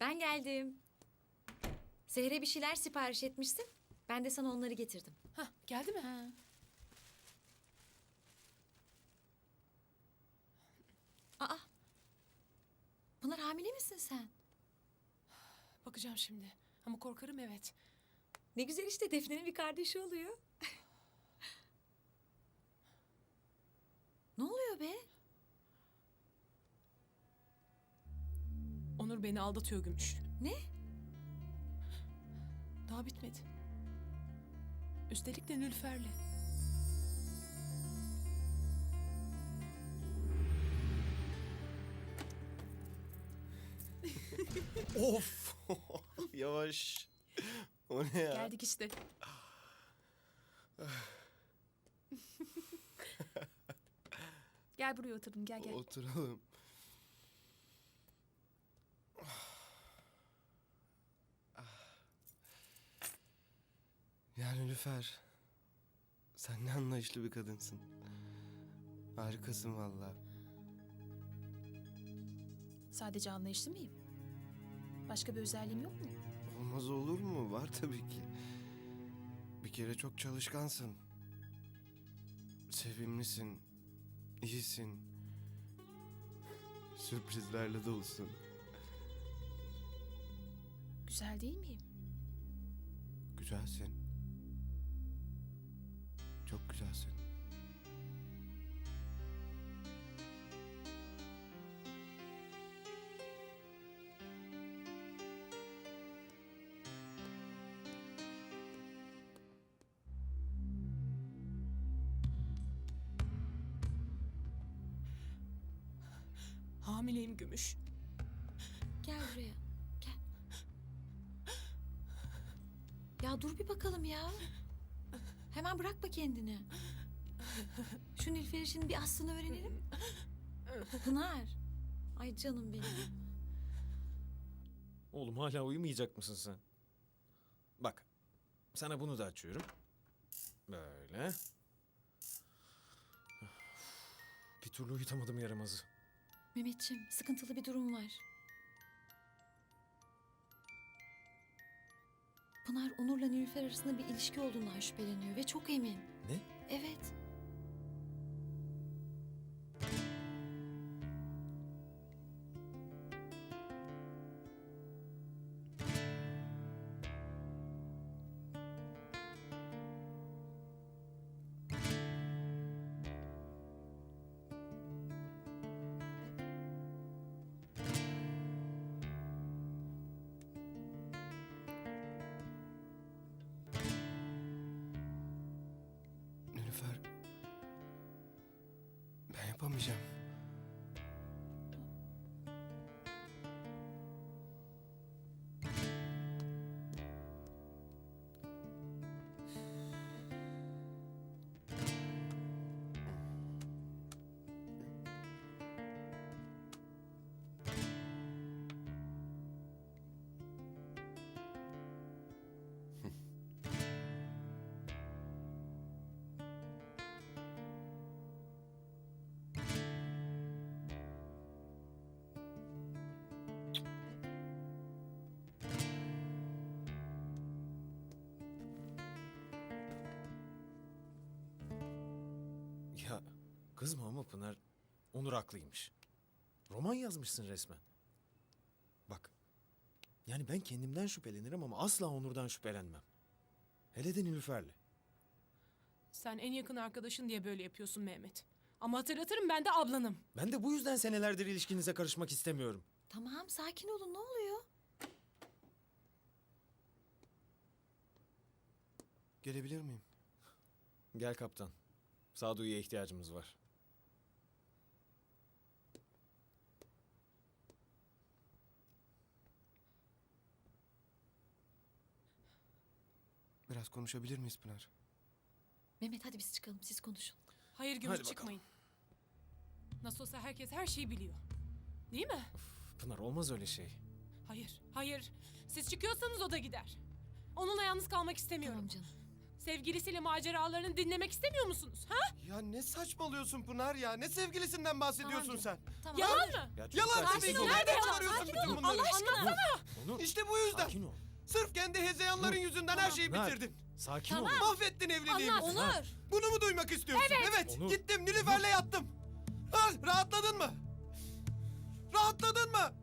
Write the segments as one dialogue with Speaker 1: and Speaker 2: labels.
Speaker 1: Ben geldim. Seher'e bir şeyler sipariş etmişsin. Ben de sana onları getirdim.
Speaker 2: Hah, geldi mi?
Speaker 1: Ha. Aa. Pınar hamile misin sen?
Speaker 2: Bakacağım şimdi. Ama korkarım evet.
Speaker 1: Ne güzel işte Defne'nin bir kardeşi oluyor. Ne oluyor be?
Speaker 2: Onur beni aldatıyor Gümüş.
Speaker 1: Ne?
Speaker 2: Daha bitmedi. Üstelik de Nülfer'le.
Speaker 3: Of! Yavaş. O ne ya?
Speaker 2: Geldik işte. Gel buraya oturun gel gel.
Speaker 3: Oturalım. Yani Nilüfer, sen ne anlayışlı bir kadınsın. Harikasın vallahi.
Speaker 2: Sadece anlayışlı mıyım? Başka bir özelliğim yok mu?
Speaker 3: Olmaz olur mu? Var tabii ki. Bir kere çok çalışkansın. Sevimlisin. İyisin. Sürprizlerle dolusun.
Speaker 2: Güzel değil miyim?
Speaker 3: Güzelsin. Çok güzelsin.
Speaker 2: Hamileyim Gümüş.
Speaker 1: Gel buraya. Gel. Ya dur bir bakalım ya. Hemen bırakma kendini. Şu Nilüfer işinin bir aslını öğrenelim. Pınar. Ay canım benim.
Speaker 4: Oğlum hala uyumayacak mısın sen? Bak, sana bunu da açıyorum. Böyle. Bir türlü uyutamadım yaramazı.
Speaker 1: Mehmetciğim sıkıntılı bir durum var. Pınar Onur'la Nilüfer arasında bir ilişki olduğundan şüpheleniyor ve çok emin.
Speaker 4: Ne?
Speaker 1: Evet.
Speaker 3: Nilüfer, ben yapamayacağım.
Speaker 4: Ya kızma ama Pınar, Onur haklıymış. Roman yazmışsın resmen. Bak, yani ben kendimden şüphelenirim ama asla Onur'dan şüphelenmem. Hele de Nilüfer'le.
Speaker 2: Sen en yakın arkadaşın diye böyle yapıyorsun Mehmet. Ama hatırlatırım ben de ablanım.
Speaker 4: Ben de bu yüzden senelerdir ilişkinize karışmak istemiyorum.
Speaker 1: Tamam sakin olun ne oluyor?
Speaker 3: Gelebilir miyim?
Speaker 4: Gel kaptan. Sağduyuya ihtiyacımız var.
Speaker 3: Biraz konuşabilir miyiz Pınar?
Speaker 1: Mehmet hadi biz çıkalım siz konuşun.
Speaker 2: Hayır Gümüş
Speaker 4: Hadi bakalım.
Speaker 2: çıkmayın. Nasıl olsa herkes her şeyi biliyor. Değil mi?
Speaker 4: Pınar olmaz öyle şey.
Speaker 2: Hayır, hayır. Siz çıkıyorsanız o da gider. Onunla yalnız kalmak istemiyorum.
Speaker 1: Tamam canım.
Speaker 2: Sevgilisiyle maceralarını dinlemek istemiyor musunuz? Ha?
Speaker 3: Ya ne saçmalıyorsun Pınar ya? Ne sevgilisinden bahsediyorsun
Speaker 1: Tamam
Speaker 3: sen?
Speaker 1: Tamam.
Speaker 2: Yalan mı?
Speaker 4: Ya çocuklar,
Speaker 3: Yalan
Speaker 4: sessiz
Speaker 3: tabii ki.
Speaker 4: olun.
Speaker 2: Nerede
Speaker 3: Nereden
Speaker 2: yalan?
Speaker 3: çıkarıyorsun
Speaker 2: Sakin
Speaker 3: bütün
Speaker 2: olun.
Speaker 3: bunları?
Speaker 2: Allah aşkına. Anlatsana.
Speaker 4: Onur.
Speaker 3: İşte bu yüzden.
Speaker 4: Sakin ol.
Speaker 3: Sırf kendi hezeyanların yüzünden her şeyi
Speaker 4: Pınar,
Speaker 3: bitirdin.
Speaker 4: Sakin
Speaker 1: Tamam.
Speaker 4: ol.
Speaker 3: Mahvettin evliliğimizi.
Speaker 1: Onur.
Speaker 3: Bunu mu duymak istiyorsun? Evet.
Speaker 4: Onur.
Speaker 3: Gittim Nilüfer'le yattım. Ha, rahatladın mı? Rahatladın mı?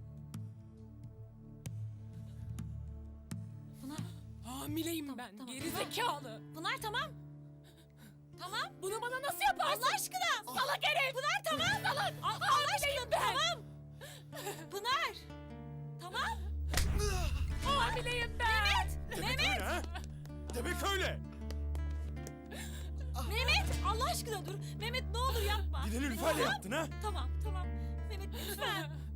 Speaker 1: Pınar.
Speaker 2: Hamileyim
Speaker 1: Tamam,
Speaker 2: ben.
Speaker 1: tamam.
Speaker 2: Geri zekalı.
Speaker 1: Pınar tamam. Tamam.
Speaker 2: Bunu bana nasıl yaparsın?
Speaker 1: Allah aşkına.
Speaker 2: Salak herif.
Speaker 1: Pınar tamam.
Speaker 2: Salak.
Speaker 1: Allah aşkına tamam. Pınar. Tamam.
Speaker 2: Hamileyim ben.
Speaker 1: Mehmet.
Speaker 4: Ha? Demek öyle.
Speaker 1: Mehmet. Allah aşkına dur. Mehmet ne olur yapma.
Speaker 4: Bir de Nilüfer'le yattın ha?
Speaker 1: Tamam tamam. Mehmet lütfen.